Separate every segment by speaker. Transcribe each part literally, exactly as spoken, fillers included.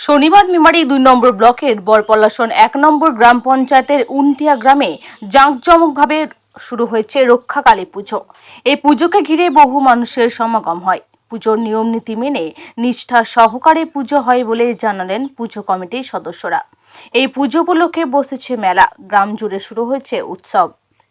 Speaker 1: শনিবার মেমারি দুই নম্বর ব্লকের বরপলাশন এক নম্বর গ্রাম পঞ্চায়েতের উনটিয়া গ্রামে জাঁকজমকভাবে শুরু হয়েছে রক্ষাকালী পুজো। এই পুজোকে ঘিরে বহু মানুষের সমাগম হয়। পুজোর নিয়ম নীতি মেনে নিষ্ঠা সহকারে পুজো হয় বলে জানালেন পুজো কমিটির সদস্যরা। এই পুজো উপলক্ষে বসেছে মেলা, গ্রাম জুড়ে শুরু হয়েছে উৎসব।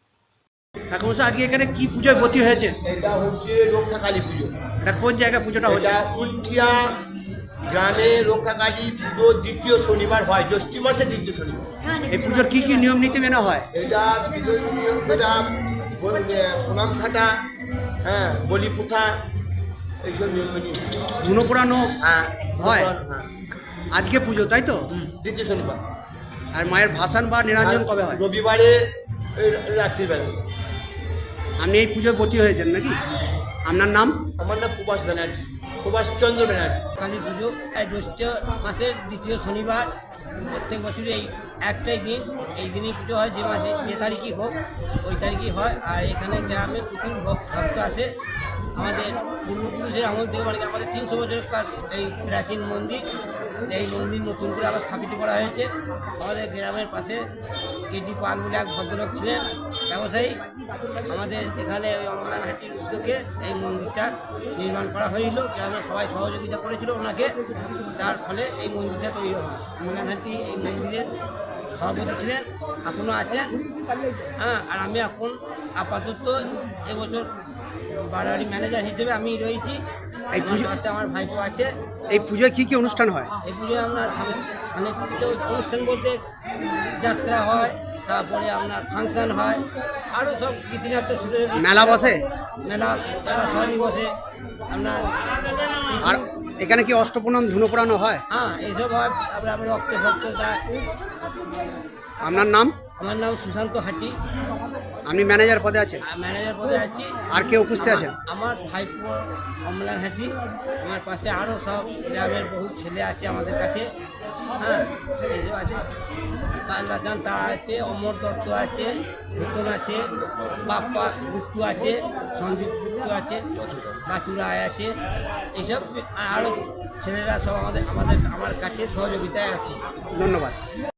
Speaker 2: এখন আজকে এখানে কি পুজোয় ব্রতী হয়েছে?
Speaker 3: এটা হচ্ছে রক্ষাকালী পুজো।
Speaker 2: এটা কোন জায়গায় পুজোটা হচ্ছে?
Speaker 3: এটা উলঠিয়া গ্রামে রক্ষাকালী পুজো দ্বিতীয় শনিবার হয়, জ্যৈষ্ঠ মাসের দ্বিতীয় শনিবার।
Speaker 2: এই পুজোর কি কি নিয়ম নীতি মেনে হয়?
Speaker 3: এটা বিজয়ী নিয়ম মেলা, প্রণাম খাটা, হ্যাঁ, বলি পুঁথা, এইসব নিয়ম মেনে
Speaker 2: ধুনো পোড়ানো
Speaker 3: হ্যাঁ
Speaker 2: হয়।
Speaker 3: হ্যাঁ,
Speaker 2: আজকে পুজো তাই তো?
Speaker 3: দ্বিতীয় শনিবার।
Speaker 2: আর মায়ের ভাসান বা নিরঞ্জন কবে হয়?
Speaker 3: রবিবারে এই রাত্রিবেলা।
Speaker 2: আপনি এই পুজোয় ব্রতী হয়েছেন নাকি? আপনার নাম?
Speaker 3: আমার নাম প্রভাস ব্যানার্জি, প্রভাস চন্দ্র ব্যানার্জি।
Speaker 4: কালী পুজো এই জ্যৈষ্ঠ মাসের দ্বিতীয় শনিবার, প্রত্যেক বছরই এই একটাই দিন, এই দিনই পুজো হয়। যে মাসে যে তারিখই হোক ওই তারিখই হয়। আর এখানে গ্রামে প্রচুর ভক্ত আসে। আমাদের পূর্বপুরুষের আমল থেকে, মানে আমাদের তিনশো বছরকার এই প্রাচীন মন্দির, এই মন্দির নতুন করে আবার স্থাপিত করা হয়েছে। আমাদের গ্রামের পাশে কেটি পাল বলে এক ভদ্রলোক ছিলেন, ব্যবসায়ী। আমাদের এখানে ওই অমলানহাটির উদ্যোগে এই মন্দিরটা নির্মাণ করা হয়েছিল। গ্রামের সবাই সহযোগিতা করেছিল ওনাকে, তার ফলে এই মন্দিরটা তৈরি হয়। অমলানহাটি এই মন্দিরের সভাপতি ছিলেন, এখনও আছেন। হ্যাঁ, আর আমি এখন আপাতত এবছর বাড়াবাড়ি ম্যানেজার হিসেবে আমি রয়েছি। এই পুজো পাশে আমার ভাইপো আছে।
Speaker 2: এই পুজোয় কি কি অনুষ্ঠান হয়?
Speaker 4: এই পুজোয় আপনার সাংস্কৃতিক অনুষ্ঠান বলতে যাত্রা হয়, তারপরে আপনার ফাংশন হয়, আরও সব গীতিনাট্য শুরু।
Speaker 2: মেলা বসে?
Speaker 4: মেলা মেলা সবই বসে আপনার।
Speaker 2: আর এখানে কি অষ্টপ্রণাম ধুনো পোড়ানো হয়?
Speaker 4: হ্যাঁ, এইসব হয়। তারপরে আমরা রক্ত ভক্ত দেয়।
Speaker 2: আপনার নাম?
Speaker 4: আমার নাম সুশান্ত হাটি,
Speaker 2: আপনি ম্যানেজার পদে আছেন?
Speaker 4: ম্যানেজার পদে আছি।
Speaker 2: আর কে উপস্থিত আছেন?
Speaker 4: আমার ভাইপো অমলান হাটি, আমার পাশে আরও সব গ্রামের বহু ছেলে আছে আমাদের কাছে। হ্যাঁ, এইসব আছে। কান্দাচান তা আছে, অমর দত্ত আছে, ভূতন আছে, বাপ্পা গুপ্তু আছে, সন্দীপ গুপ্তু আছে, বাচু রায় আছে। এইসব আরও ছেলেরা সব আমাদের আমাদের আমার কাছে সহযোগিতায় আছে।
Speaker 2: ধন্যবাদ।